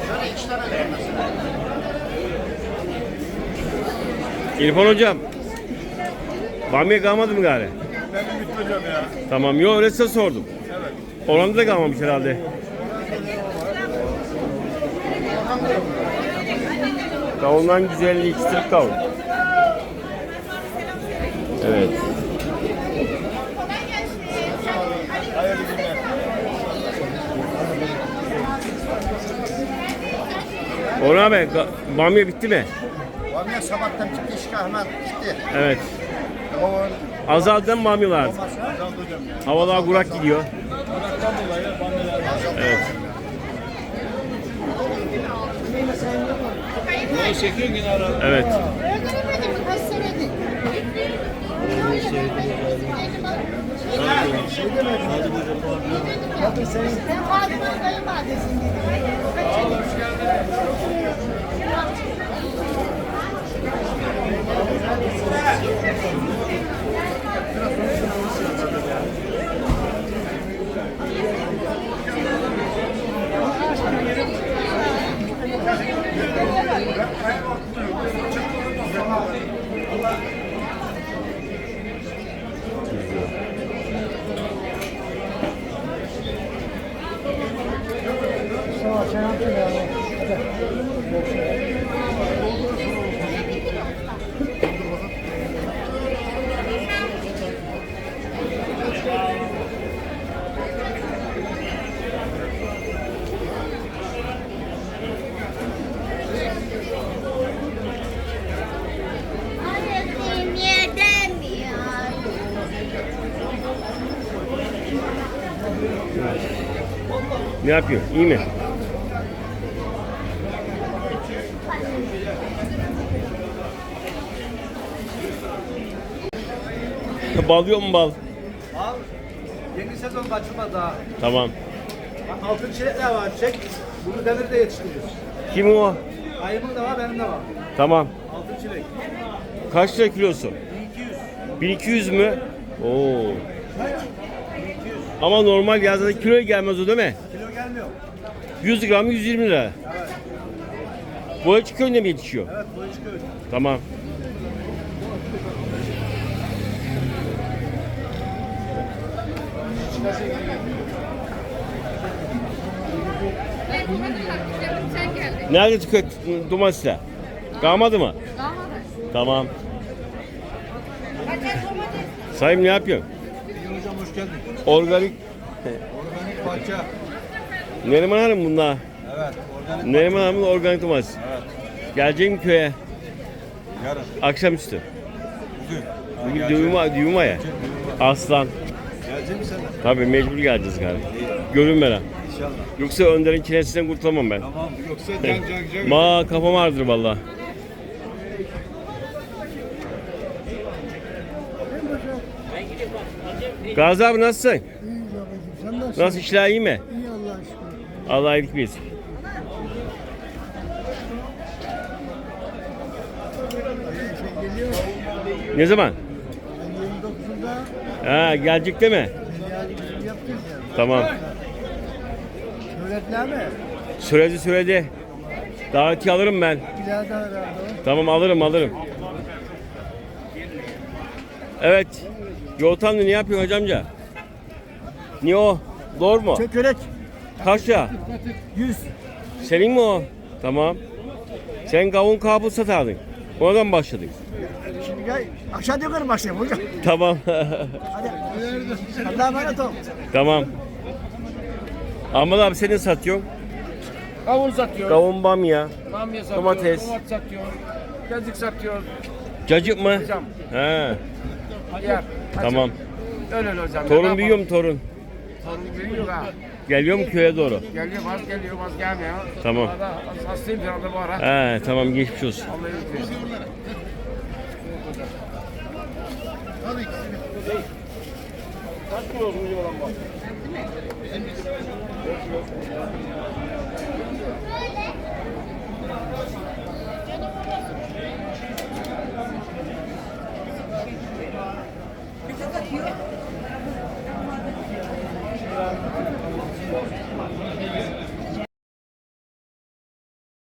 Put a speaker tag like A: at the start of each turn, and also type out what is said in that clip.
A: Şöyle 2 tane verin mesela.
B: İrfan hocam. Bamya kalmadı mı gari?
C: Ben Ümit hocam ya.
B: Tamam, yok öyle size sordum.
C: Evet.
B: Oranda da kalmamış herhalde. Kavundan güzelliği ikistirip kavun. Evet.
C: Hayırlı günler.
B: Orhan abi, bamya bitti mi?
A: Bamya sabahtan çıktı, işgahına gitti.
B: Evet.
C: Babanın
B: Azaldı mı bamyalar?
C: olmazsa azaldı hocam ya.
B: Havalar kurak gidiyor.
C: Onaktan dolayı bandeler azaldı.
B: Evet.
C: Bunu çekiyor yine ara.
B: Evet.
D: Öldüremedim mi? Kaç senedir? Ben Fatıma'nın kayınvalidesiyim dedim. Aradığım yerden mi ya?
B: Ne yapıyor? İyi mi? Bal yok mu bal?
E: Al. Yeni sezon açılmadı daha.
B: Tamam.
E: Bak altın çilekler var. Çek. Bunu demirde yetiştiriyoruz.
B: Kim o?
E: Ayımın da var, benim de var.
B: Tamam.
E: Altın çilek.
B: Kaç lira kilosu?
E: 1200.
B: 1200 mü? Oo. Ama normal yazda kiloya gelmez o değil mi?
E: Kilo gelmiyor.
B: 100 gram 120 lira.
E: Evet.
B: Boyacı köyünde mi yetişiyor?
E: Evet, boyu çıkıyor.
B: Tamam.
D: Sen geldin.
B: Nerede tüket domatesler? Kalmadı mı?
D: Kalmadı.
B: Tamam. Sayın ne yapıyorsun?
E: İyi hocam, hoş geldin.
B: Organik.
E: Organik bahçe.
B: Neriman Hanım bunlar.
E: Evet, organik.
B: Neriman Hanım'ın organik domates.
E: Evet.
B: Gelecek mi köye?
E: Yarın.
B: Akşamüstü.
E: Bugün.
B: Bugün düğün var ya. Aslan.
E: Gelecek misin sen de?
B: Tabii mecbur geleceğiz galiba. Görünmeden.
E: İnşallah.
B: Yoksa Önder'in kinesinden kurtulamam ben.
E: Tamam. Yoksa can.
B: Ma kafam ağrıdır valla. Gazi abi nasılsın?
F: İyiyiz babacığım. Sen nasılsın?
B: Nasıl işler iyi mi?
F: İyi Allah'a şükür.
B: Allah iyilik versin.
F: Şey geliyor.
B: Ne zaman?
F: Ben 29'unda
B: Ha gelecek değil mi?
F: yapacağız ya.
B: Tamam.
F: Şöhretler mi?
B: Söyledi. Davetiye alırım ben.
F: İleride herhalde o.
B: Tamam alırım. Evet. Yoltanlı ne yapıyorsun hocamca? Niye o? Doğru mu?
F: Çökelek.
B: Kaç ya?
F: 100.
B: Senin mi o? Tamam. Sen kavun kabul satardın. Oradan başladın.
F: Şimdi gel. Aşağı yukarı başlayalım hocam.
B: Tamam.
F: Hadi. Allah'a emanet ol.
B: Tamam. Ahmet abi senin satıyorsun.
G: Kavun satıyor,
B: Kavun bamya.
G: bamya satıyor,
B: domates.
G: domates satıyor, cacık satıyor.
B: Cacık mı?
G: Hocam.
B: He.
G: Yer.
B: Tamam.
G: Öyle hocam.
B: Torun büyüyor mu torun?
G: Torun büyüyor ha.
B: Geliyor mu köye doğru?
G: Geliyor, az gelmiyor.
B: Tamam.
G: Arada hastayım şu anda bu ara.
B: He tamam geçmiş olsun.
G: Allah'a emanet olun. Kaç kilo olsun olan bak?